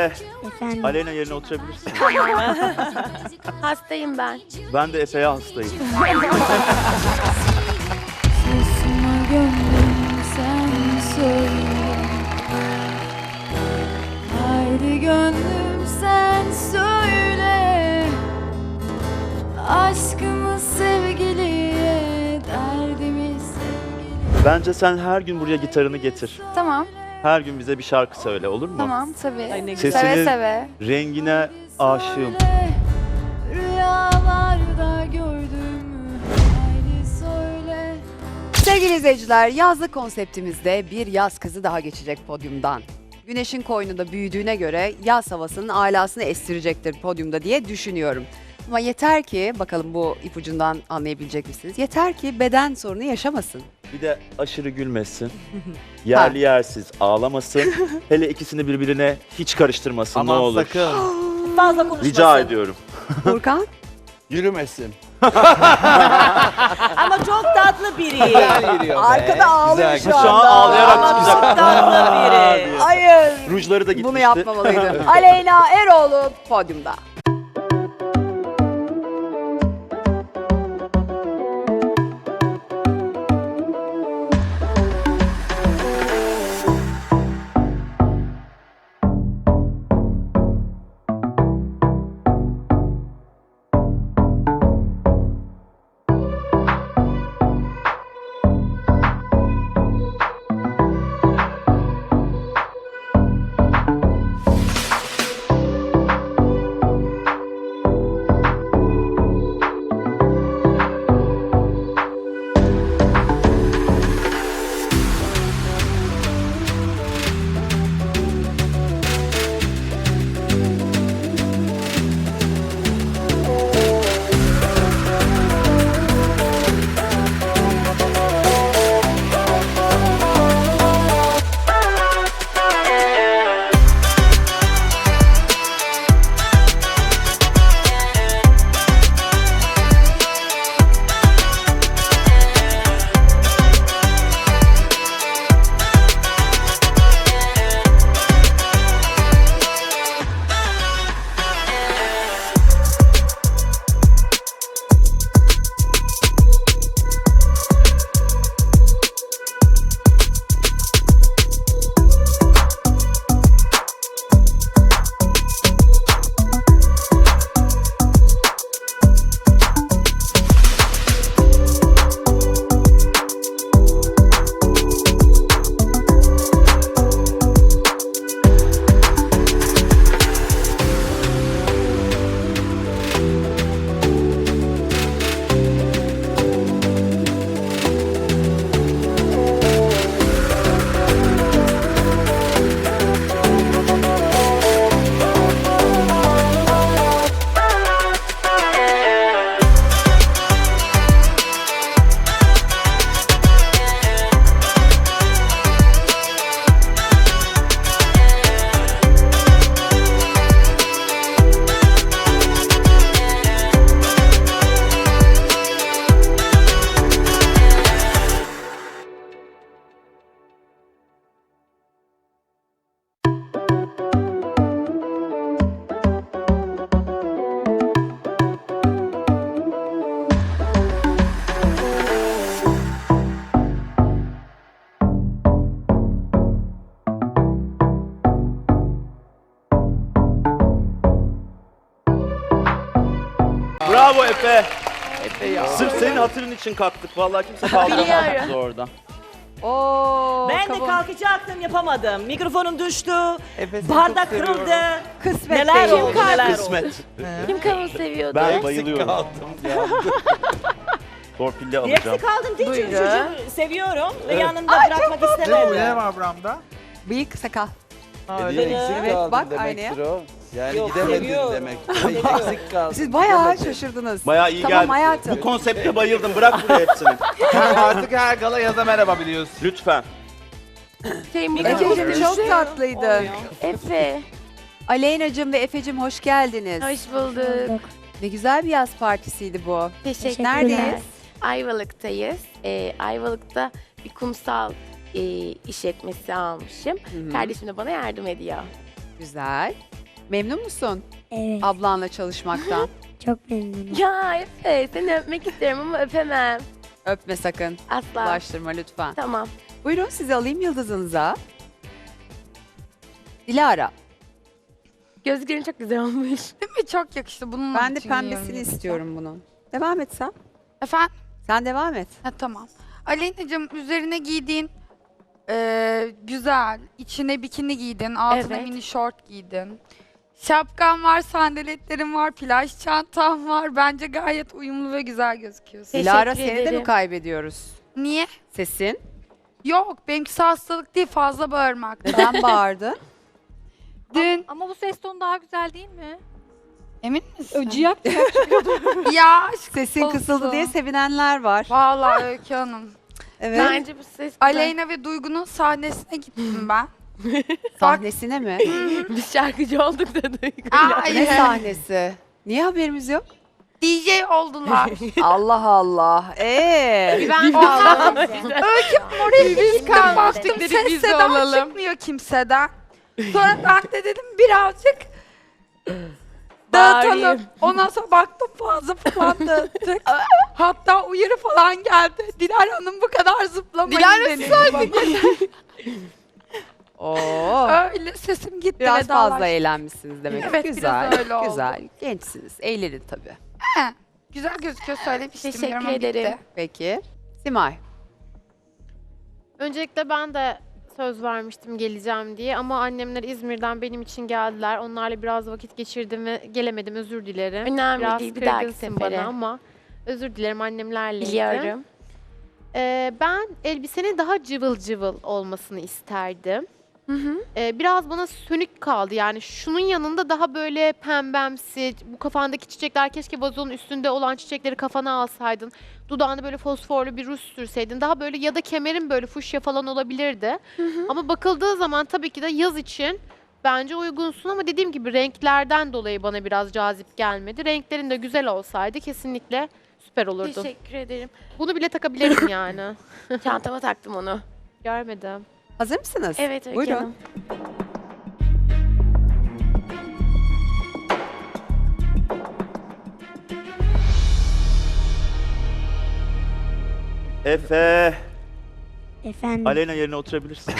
Efe, Efendim. Aleyna yerine oturabilirsin. Hastayım ben. Ben de Efe'ye hastayım. Sesime gönlüm sen söyle. Haydi gönlüm sen söyle. Aşkımız sevgiliye, derdimiz sevgili. Bence sen her gün buraya gitarını getir. Tamam, Her gün bize bir şarkı söyle, olur mu? tamam tabii. Ay ne Sesini- Seve seve. Rengine aşığım. Rüyalarda gördüm. Haydi söyle. Sevgili izleyiciler, yazlık konseptimizde bir yaz kızı daha geçecek podyumdan. Güneşin koynunda büyüdüğüne göre yaz havasının alasını estirecektir podyumda diye düşünüyorum. Ama yeter ki, bakalım bu ipucundan anlayabilecek misiniz? Yeter ki beden sorunu yaşamasın. Bir de aşırı gülmesin. Yerli yersiz ağlamasın. Hele ikisini birbirine hiç karıştırmasın ne olur. sakın Fazla konuşmasın. Rica ediyorum. Furkan, yürümesin. Ama çok tatlı biri. Güzel yürüyor be. arkada ağlıyor Güzel, şu Şu anda. an ağlayarak Ama çok çıkacak. tatlı biri. Hayır, Rujları da gitmişti. bunu yapmamalıydı. Aleyna Eroğlu podyumda. Bravo Efe. Efe ya. Sırf senin hatırın için kalktık. Vallahi kimse kaldıramadı orada. Oo, Ben de kabul. kalkacaktım yapamadım. Mikrofonum düştü. Efe seni Bardak çok seviyorum. kırıldı. Kısmet Neler değil. oldu neler oldu. Kısmet. Kim kavun seviyordu? Ben Eksik bayılıyorum. kaldım ya. Torpille Direksi alacağım. kaldım değil çünkü Buyurun. çocuğu seviyorum ve Evet. yanında bırakmak Ne istemedim. var buramda? Bıyık sakal. Hediye eksik Evet, kaldım bak demektir o. Yani Yok, gidemedin seviyorum. demek. Seviyorum. Eksik kaldım. Siz bayağı gidemedin. şaşırdınız. Bayağı iyi Tamam geldi. hayatım. Bu konsepte bayıldım. Bırak buraya hepsini. Artık her gala yaza merhaba biliyorsun. Lütfen. Efe'cim çok tatlıydı. Efe. Aleyna'cığım ve Efe'cim hoş geldiniz. Hoş bulduk. Ne güzel bir yaz partisiydi bu. Teşekkürler. Neredeyiz? Ayvalık'tayız. Ayvalık'ta bir kumsal işletmesi almışım. Hı hı. Kardeşim de bana yardım ediyor. Güzel. Memnun musun Evet, ablanla çalışmaktan? çok memnunum. Ya Efe seni öpmek isterim ama öpemem. Öpme sakın. Asla. Bulaştırma lütfen. Tamam. Buyurun sizi alayım yıldızınıza. Dilara. Gözlerin çok güzel olmuş. Değil mi? Çok yakıştı. Bunun Ben de için pembesini giyiyorum istiyorum bunun. Devam et sen. Efendim? Sen devam et. Ha, tamam. Aleyna'cığım üzerine giydiğin güzel. İçine bikini giydin. Altına Evet. mini şort giydin. Şapkan var, sandaletlerin var, plaj çantan var. Bence gayet uyumlu ve güzel gözüküyorsun. Teşekkür Dilara seni de mi ederim. kaybediyoruz? Niye? Sesin. Yok, benimkisi hastalık değil, fazla bağırmak. Neden bağırdı? Dün Ama bu ses tonu daha güzel değil mi? emin misin? Öcüyak. Ya aşk Sesin olsun. kısıldı diye sevinenler var. Vallahi Öykü Hanım. Evet. Bence bu ses güzel. Aleyna ve Duygu'nun sahnesine gittim ben. Sahnesine mi? Biz şarkıcı olduk da Duygu'yla. Ay, Ne sahnesi? Niye haberimiz yok? DJ oldular. Allah Allah. Ben Oraya gittim baktım Dedikleri ses biz de seda olalım. çıkmıyor kimseden. Sonra ben de dedim birazcık dağıtalım. Bağırayım. Ondan sonra baktım fazla falan dağıttık. Hatta uyarı falan geldi. Dilara Hanım bu kadar zıplamayın denildi bana. Oo. Öyle sesim gitti. Biraz vedalaştım. fazla eğlenmişsiniz demek. Evet, güzel. biraz öyle oldu. Güzel. Gençsiniz. Eğlenin tabii. He, güzel gözüküyor söylemiştim. Teşekkür yorumum gitti. ederim. Peki. Simay. Öncelikle ben de söz vermiştim geleceğim diye ama annemler İzmir'den benim için geldiler. Onlarla biraz vakit geçirdim ve gelemedim, özür dilerim. Önemli Biraz değil, bir dahaki kırgınsın sefere. bana ama özür dilerim annemlerleydi. Biliyorum. Ben elbisenin daha cıvıl cıvıl olmasını isterdim. Biraz bana sönük kaldı yani şunun yanında daha böyle pembemsi, bu kafandaki çiçekler keşke vazonun üstünde olan çiçekleri kafana alsaydın. Dudağında böyle fosforlu bir ruj sürseydin daha böyle ya da kemerin böyle fuşya falan olabilirdi. Ama bakıldığı zaman tabii ki de yaz için bence uygunsun ama dediğim gibi renklerden dolayı bana biraz cazip gelmedi. Renklerin de güzel olsaydı kesinlikle süper olurdu. Teşekkür ederim. Bunu bile takabilirim yani. Çantama taktım onu. Görmedim. Hazır mısınız? Evet Öykü Buyurun. Hanım. Efe, Efendim, Aleyna yerine oturabilirsin.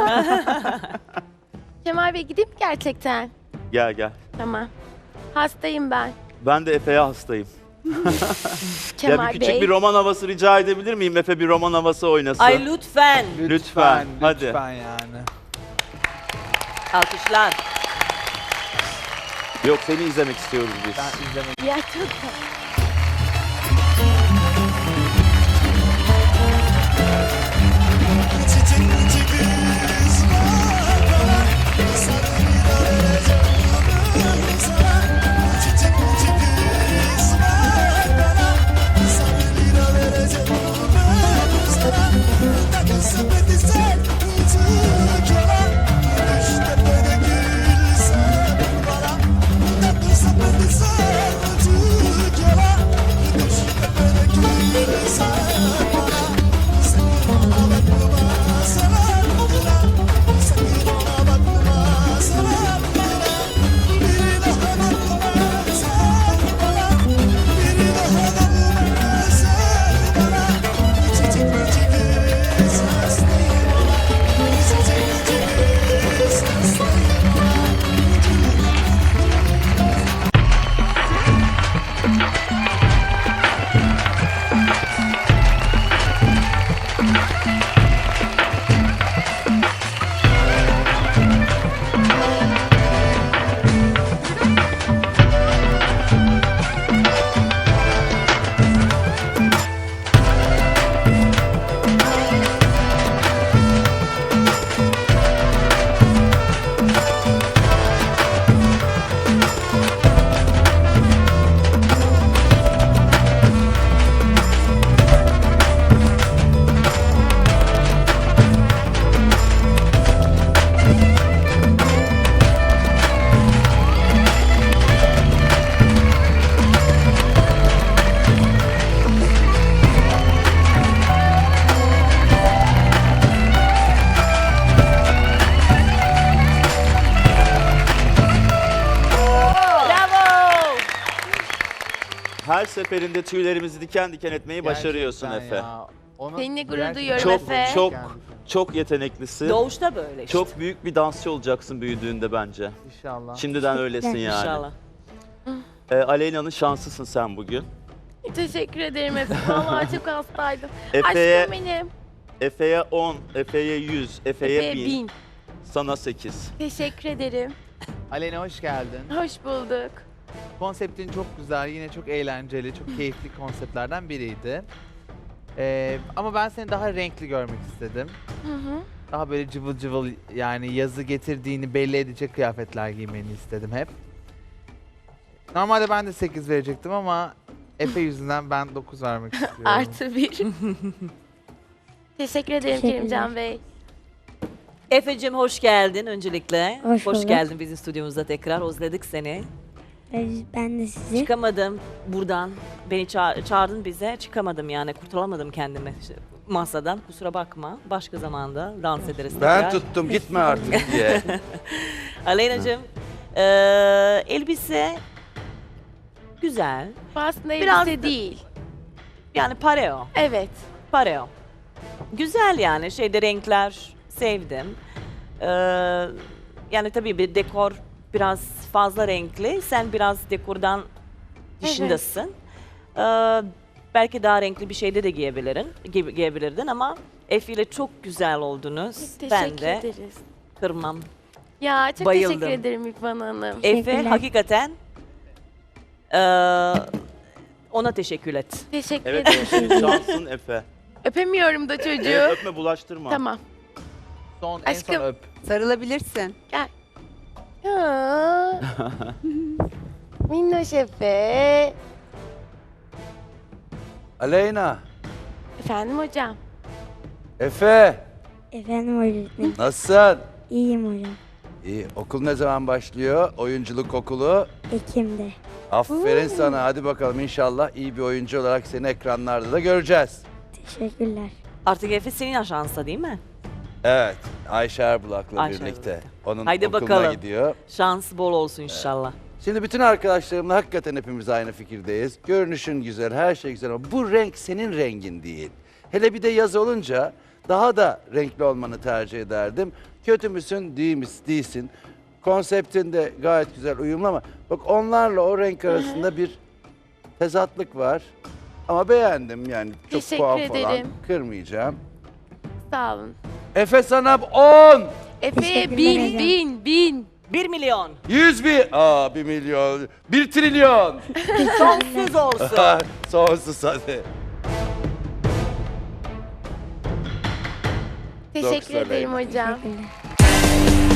Kemal Bey gideyim mi gerçekten? Gel gel. Tamam. Hastayım ben. Ben de Efe'ye hastayım. Kemal Ya bir küçük Bey. bir roman havası rica edebilir miyim? Efe bir roman havası oynasın. Ay lütfen. Lütfen, hadi. Lütfen yani. Alkışlar. Yok seni izlemek istiyoruz biz. Ben izlemek Ya çok Sepeti sen, Her seferinde tüylerimizi diken diken etmeyi başarıyorsun Gerçekten Efe. ya. Onu Seninle gurur gerçekten duyuyorum Çok Efe. çok çok yeteneklisin. Doğuşta böyle işte. Çok büyük bir dansçı olacaksın büyüdüğünde bence. İnşallah. Şimdiden öylesin yani. İnşallah. Aleyna'nın şanslısın sen bugün. Teşekkür ederim Efe. Vallahi çok hastaydım. Efe'ye Aşkım benim. Efe'ye 10, Efe'ye 100, Efe'ye Efe'ye 1000, 1000. sana 8. Teşekkür ederim. Aleyna hoş geldin. Hoş bulduk. Konseptin çok güzel, yine çok eğlenceli, çok keyifli konseptlerden biriydi. Ama ben seni daha renkli görmek istedim. Hı hı. Daha böyle cıvıl cıvıl, yani yazı getirdiğini belli edecek kıyafetler giymeni istedim hep. Normalde ben de 8 verecektim ama Efe yüzünden ben 9 vermek istiyorum. Artı 1. Teşekkür ederim Teşekkürler. Kerimcan Bey. Efe'cim hoş geldin öncelikle. Hoş bulduk. geldin bizim stüdyomuzda tekrar. Özledik seni. Ben de sizi. Çıkamadım buradan. Beni çağırdın bize. Çıkamadım yani. Kurtulamadım kendimi masadan. Kusura bakma. Başka zamanda dans ederiz Ben tekrar. tuttum gitme artık diye. Aleyna'cığım elbise güzel. Bu aslında Biraz elbise da- değil. Yani pareo. Evet. Pareo. Güzel yani şeyde renkler sevdim. Yani tabii bir dekor biraz fazla renkli. Sen biraz dekordan dışındasın. Belki daha renkli bir şeyde de giyebilirdin ama Efe ile çok güzel oldunuz. Teşekkür Ben de ederiz. kırmam. Ya çok Bayıldım. teşekkür ederim İkbal Hanım. Efe Teşekkürler. hakikaten ona teşekkür et. Teşekkür Evet, ederim. senin şansın Efe. Öpemiyorum da çocuğu. Evet, öpme bulaştırma. Tamam. En son Aşkım. öp. Sarılabilirsin. Ya. Minnoş Efe. Aleyna, Efendim hocam. Efe, Efendim öğretmenim. nasılsın? İyiyim hocam. İyi, okul ne zaman başlıyor? Oyunculuk okulu. Ekim'de. Aferin sana, hadi bakalım inşallah iyi bir oyuncu olarak seni ekranlarda da göreceğiz. Teşekkürler. Artık Efe senin aşansa değil mi? Evet, Ayşe Erbulak'la Ayşe birlikte. Erbulak'la. Onun Haydi okuluna bakalım. gidiyor. Şans bol olsun inşallah. Şimdi bütün arkadaşlarımla hakikaten hepimiz aynı fikirdeyiz. Görünüşün güzel, her şey güzel ama bu renk senin rengin değil. Hele bir de yaz olunca daha da renkli olmanı tercih ederdim. Kötü müsün, değilsin. Konseptin de gayet güzel, uyumlu ama bak onlarla o renk arasında bir tezatlık var. Ama beğendim yani çok Teşekkür puan falan ederim. kırmayacağım. Sağ olun. Efe sana 10, Efe'ye Teşekkürler 1000. 1 milyon. 100 bin, 1 milyon, 1 trilyon. Sonsuz olsun. Sonsuz hadi. Teşekkür Doktor ederim hocam. Teşekkürler.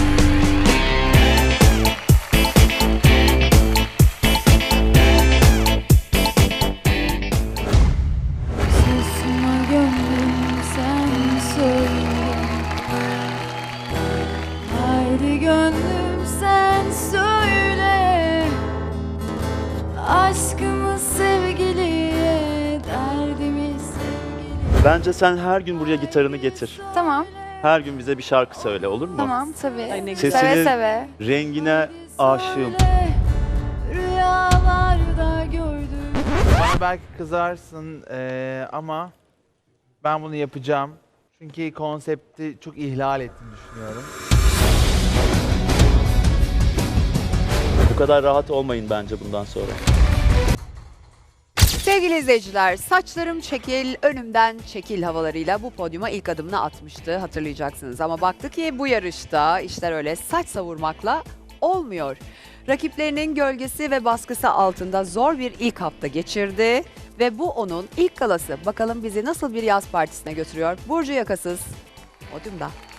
Susma gönlüm sen söyle. Haydi gönlüm sen söyle. Aşkımı sevgiliye, derdimi sevgiliye. Bence sen her gün buraya gitarını getir. Tamam, Her gün bize bir şarkı söyle, olur mu? tamam tabii. Ay ne Sesini- güzel. Seve seve. Rengine aşığım. Söyle, rüyalarda gördüm. Bana belki kızarsın ama ben bunu yapacağım. Çünkü konsepti çok ihlal ettiğini düşünüyorum. Bu kadar rahat olmayın bence bundan sonra. Sevgili izleyiciler, saçlarım çekil, önümden çekil havalarıyla bu podyuma ilk adımını atmıştı hatırlayacaksınız. Ama baktı ki bu yarışta işler öyle saç savurmakla olmuyor. Rakiplerinin gölgesi ve baskısı altında zor bir ilk hafta geçirdi. Ve bu onun ilk galası. Bakalım bizi nasıl bir yaz partisine götürüyor? Burcu Yakasız, podyumda.